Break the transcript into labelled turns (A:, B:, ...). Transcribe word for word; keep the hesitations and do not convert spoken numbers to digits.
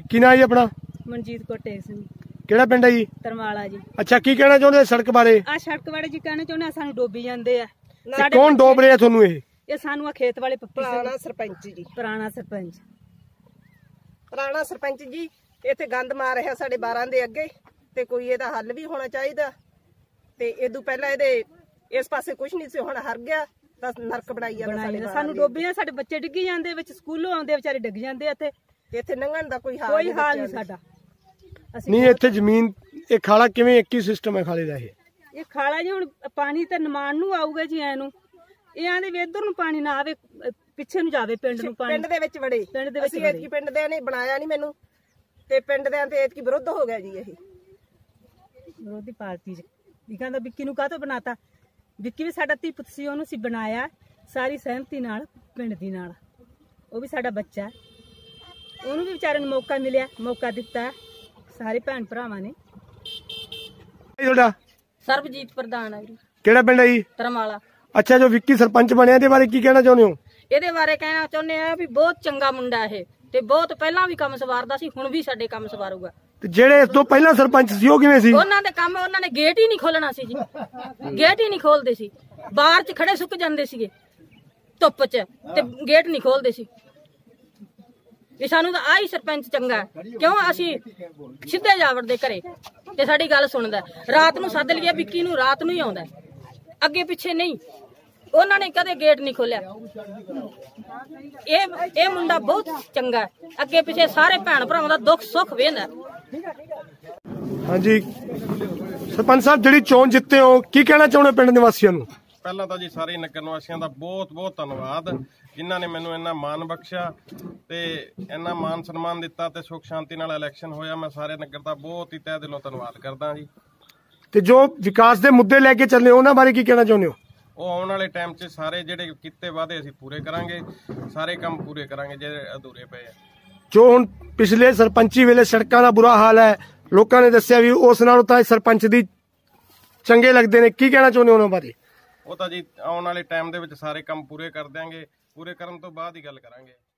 A: ਕੀ ਨਾਂ ਜੀ ਆਪਣਾ?
B: ਮਨਜੀਤ ਕੌਰ ਟੇਕ ਸਿੰਘ।
A: ਕਿਹੜਾ ਪਿੰਡ ਹੈ ਜੀ?
B: ਤਰਮਾਲਾ ਜੀ।
A: ਅੱਛਾ, ਕੀ ਕਹਿਣਾ ਚਾਹੁੰਦੇ ਸੜਕ ਬਾਰੇ?
B: ਆ ਸੜਕ ਬਾਰੇ ਜੀ ਕਹਿਣਾ ਚਾਹੁੰਦੇ ਸਾਨੂੰ ਡੋਬੀ ਜਾਂਦੇ ਆ।
A: ਕੌਣ ਡੋਬ ਰਿਹਾ ਤੁਹਾਨੂੰ? ਇਹ
B: ਇਹ ਸਾਨੂੰ ਆ ਖੇਤ ਵਾਲੇ ਪੱਪੀ
C: ਪੁਰਾਣਾ ਸਰਪੰਚ ਜੀ।
B: ਪੁਰਾਣਾ ਸਰਪੰਚ
C: ਪੁਰਾਣਾ ਸਰਪੰਚ ਜੀ ਇੱਥੇ ਗੰਦ ਮਾਰ ਰਿਹਾ ਸਾਡੇ ਬਾਰਾਂ ਦੇ ਅੱਗੇ, ਤੇ ਕੋਈ ਇਹਦਾ ਹੱਲ ਵੀ ਹੋਣਾ ਚਾਹੀਦਾ। ਤੇ ਇਦੋਂ ਪਹਿਲਾਂ ਇਹਦੇ ਇਸ ਪਾਸੇ ਕੁਝ ਨਹੀਂ ਸੀ, ਹੁਣ ਹਰ ਗਿਆ ਤਾਂ ਨਰਕ ਬਣਾਈ ਜਾਂਦਾ।
B: ਸਾਨੂੰ ਡੋਬੀ ਆ, ਸਾਡੇ ਬੱਚੇ ਡਿੱਗੀ ਜਾਂਦੇ ਵਿੱਚ, ਸਕੂਲੋਂ ਆਉਂਦੇ ਵਿਚਾਰੇ ਡਿੱਗ ਜਾਂਦੇ ਆ। ਇੱਥੇ
C: ਇੱਥੇ ਲੰਘਣ ਦਾ ਕੋਈ ਹਾਲ
B: ਕੋਈ ਹਾਲ ਨਹੀਂ ਸਾਡਾ।
A: ਨਹੀਂ ਇੱਥੇ ਜ਼ਮੀਨ ਇਹ ਖਾਲਾ ਕਿਵੇਂ ਇੱਕ ਹੀ ਸਿਸਟਮ ਹੈ ਖਾਲੇ ਦਾ? ਇਹ
B: ਇਹ ਖਾਲਾ ਜੀ ਹੁਣ ਪਾਣੀ ਤਾਂ ਨਿਮਾਣ ਨੂੰ ਆਊਗਾ ਜੀ ਐ ਨੂੰ, ਇਹ ਆਂਦੇ ਵੀ ਇੱਧਰ ਨੂੰ ਪਾਣੀ ਨਾ ਆਵੇ, ਪਿੱਛੇ ਨੂੰ ਜਾਵੇ ਪਿੰਡ ਨੂੰ ਪਾਣੀ।
C: ਪਿੰਡ ਦੇ ਵਿੱਚ ਵੜੇ,
B: ਪਿੰਡ ਦੇ ਵਿੱਚ
C: ਅਸੀਂ ਐਤਕੀ ਪਿੰਡ ਦੇ ਨੇ ਬਣਾਇਆ ਨਹੀਂ ਮੈਨੂੰ, ਤੇ ਪਿੰਡ ਦੇ ਤੇ ਐਤਕੀ ਵਿਰੁੱਧ ਹੋ ਗਿਆ ਜੀ। ਇਹ
B: ਵਿਰੋਧੀ ਪਾਰਟੀ ਚ ਵੀ ਕਹਿੰਦਾ ਵਿੱਕੀ ਨੂੰ ਕਾਹਤੋਂ ਬਣਾਤਾ? ਵਿੱਕੀ ਵੀ ਸਾਡਾ ਧੀ ਪੁੱਤ ਸੀ, ਉਹਨੂੰ ਸੀ ਬਣਾਇਆ ਸਾਰੀ ਸਹਿਮਤੀ ਨਾਲ ਪਿੰਡ ਦੀ ਨਾਲ। ਉਹ ਵੀ ਸਾਡਾ ਬੱਚਾ, ਉਹਨੂੰ ਵੀ ਵਿਚਾਰੇ ਨੂੰ ਮੌਕਾ ਮਿਲਿਆ, ਮੌਕਾ ਦਿੱਤਾ ਸਾਰੇ ਭੈਣ ਭਰਾਵਾਂ ਨੇ।
A: ਤੁਹਾਡਾ?
D: ਸਰਬਜੀਤ ਪ੍ਰਧਾਨ ਹੈ ਜੀ।
A: ਕਿਹੜਾ ਪਿੰਡ ਹੈ ਜੀ?
D: ਤਰਮਾਲਾ।
A: ਅੱਛਾ, ਜੋ ਵਿੱਕੀ ਸਰਪੰਚ ਬਣਿਆ ਇਹਦੇ ਬਾਰੇ ਕੀ ਕਹਿਣਾ ਚਾਹੁੰਦੇ ਹੋ?
D: ਇਹਦੇ ਬਾਰੇ ਕਹਿਣਾ ਚਾਹੁੰਦੇ ਆ ਵੀ ਬਹੁਤ ਚੰਗਾ ਮੁੰਡਾ ਇਹ, ਤੇ ਬਹੁਤ ਪਹਿਲਾਂ ਵੀ ਕੰਮ ਸਵਾਰਦਾ ਸੀ, ਹੁਣ ਵੀ ਸਾਡੇ ਕੰਮ ਸਵਾਰੂਗਾ।
A: ਤੇ ਜਿਹੜੇ ਇਸ ਤੋਂ ਪਹਿਲਾਂ ਸਰਪੰਚ ਸੀ ਉਹ ਕਿਵੇਂ ਸੀ?
D: ਉਹਨਾਂ ਦੇ ਕੰਮ ਉਹਨਾਂ ਨੇ ਗੇਟ ਹੀ ਨਹੀਂ ਖੋਲਣਾ ਸੀ ਜੀ, ਗੇਟ ਹੀ ਨਹੀਂ ਖੋਲਦੇ ਸੀ, ਬਾਹਰ ਚ ਖੜੇ ਸੁੱਕ ਜਾਂਦੇ ਸੀਗੇ ਧੁੱਪ ਚ, ਤੇ ਗੇਟ ਨਹੀਂ ਖੋਲਦੇ ਸੀ। ਵੀ ਸਾਨੂੰ ਤਾਂ ਆਹੀ ਸਰਪੰਚ ਚੰਗਾ, ਕਿਉਂ ਅਸੀਂ ਸਿੱਧੇ ਜਾਵੜਦੇ ਘਰੇ ਤੇ ਸਾਡੀ ਗੱਲ ਸੁਣਦਾ। ਰਾਤ ਨੂੰ ਸੱਦ ਲਈਏ ਵਿੱਕੀ ਨੂੰ, ਰਾਤ ਨੂੰ ਹੀ ਆਉਂਦਾ, ਅੱਗੇ ਪਿੱਛੇ ਨਹੀਂ। ਉਹਨਾਂ ਨੇ ਕਦੇ ਗੇਟ ਨਹੀਂ ਖੋਲਿਆ। ਇਹ ਇਹ ਮੁੰਡਾ ਬਹੁਤ ਚੰਗਾ, ਅੱਗੇ ਪਿੱਛੇ ਸਾਰੇ ਭੈਣ ਭਰਾਵਾਂ ਦਾ ਦੁੱਖ ਸੁੱਖ ਵੇਂਦਾ।
A: ਹਾਂਜੀ ਸਰਪੰਚ ਸਾਹਿਬ, ਜਿਹੜੀ ਚੋਣ ਜਿੱਤੇ ਹੋ ਕੀ ਕਹਿਣਾ ਚਾਹੁੰਦੇ ਪਿੰਡ ਨਿਵਾਸੀਆਂ ਨੂੰ?
E: ਪਹਿਲਾਂ ਤਾਂ ਜੀ ਸਾਰੇ ਨਗਰ ਨਿਵਾਸੀਆਂ ਦਾ ਬਹੁਤ ਬਹੁਤ ਧੰਨਵਾਦ, ਜਿਨ੍ਹਾਂ ਨੇ ਮੈਨੂੰ ਇੰਨਾ ਮਾਣ ਬਖਸ਼ਿਆ ਤੇ ਇੰਨਾ ਮਾਣ ਸਨਮਾਨ ਦਿੱਤਾ ਤੇ ਸੁੱਖ ਸ਼ਾਂਤੀ ਨਾਲ ਇਲੈਕਸ਼ਨ ਹੋਇਆ। ਮੈਂ ਸਾਰੇ ਨਗਰ ਦਾ ਬਹੁਤ ਹੀ ਤਹਿ ਦਿਲੋਂ ਧੰਨਵਾਦ ਕਰਦਾ ਜੀ। ਤੇ
A: ਜੋ ਵਿਕਾਸ ਦੇ ਮੁੱਦੇ ਲੈ ਕੇ ਚੱਲੇ ਉਹਨਾਂ ਬਾਰੇ ਕੀ ਕਹਿਣਾ ਚਾਹੁੰਦੇ ਹੋ?
E: ਉਹ ਆਉਣ ਵਾਲੇ ਟਾਈਮ 'ਚ ਸਾਰੇ ਜਿਹੜੇ ਕੀਤੇ ਵਾਅਦੇ ਅਸੀਂ ਪੂਰੇ ਕਰਾਂਗੇ, ਸਾਰੇ ਕੰਮ ਪੂਰੇ ਕਰਾਂਗੇ ਜਿਹੜੇ ਅਧੂਰੇ ਪਏ ਆ।
A: ਜੋ ਹੁਣ ਪਿਛਲੇ ਸਰਪੰਚੀ ਵੇਲੇ ਸੜਕਾਂ ਦਾ ਬੁਰਾ ਹਾਲ ਹੈ, ਲੋਕਾਂ ਨੇ ਦੱਸਿਆ ਵੀ ਉਸ ਨਾਲੋਂ ਤਾਂ ਸਰਪੰਚ ਦੀ ਚੰਗੇ ਲੱਗਦੇ ਨੇ, ਕੀ ਕਹਿਣਾ ਚਾਹੁੰਦੇ ਹੋ ਉਹਨਾਂ ਬਾਰੇ?
E: ਉਹ ਤਾਂ ਜੀ ਆਉਣ ਵਾਲੇ ਟਾਈਮ ਦੇ ਵਿੱਚ ਸਾਰੇ ਕੰਮ ਪੂਰੇ ਕਰ ਦਿਆਂਗੇ, ਪੂਰੇ ਕਰਨ ਤੋਂ ਬਾਅਦ ਹੀ ਗੱਲ ਕਰਾਂਗੇ।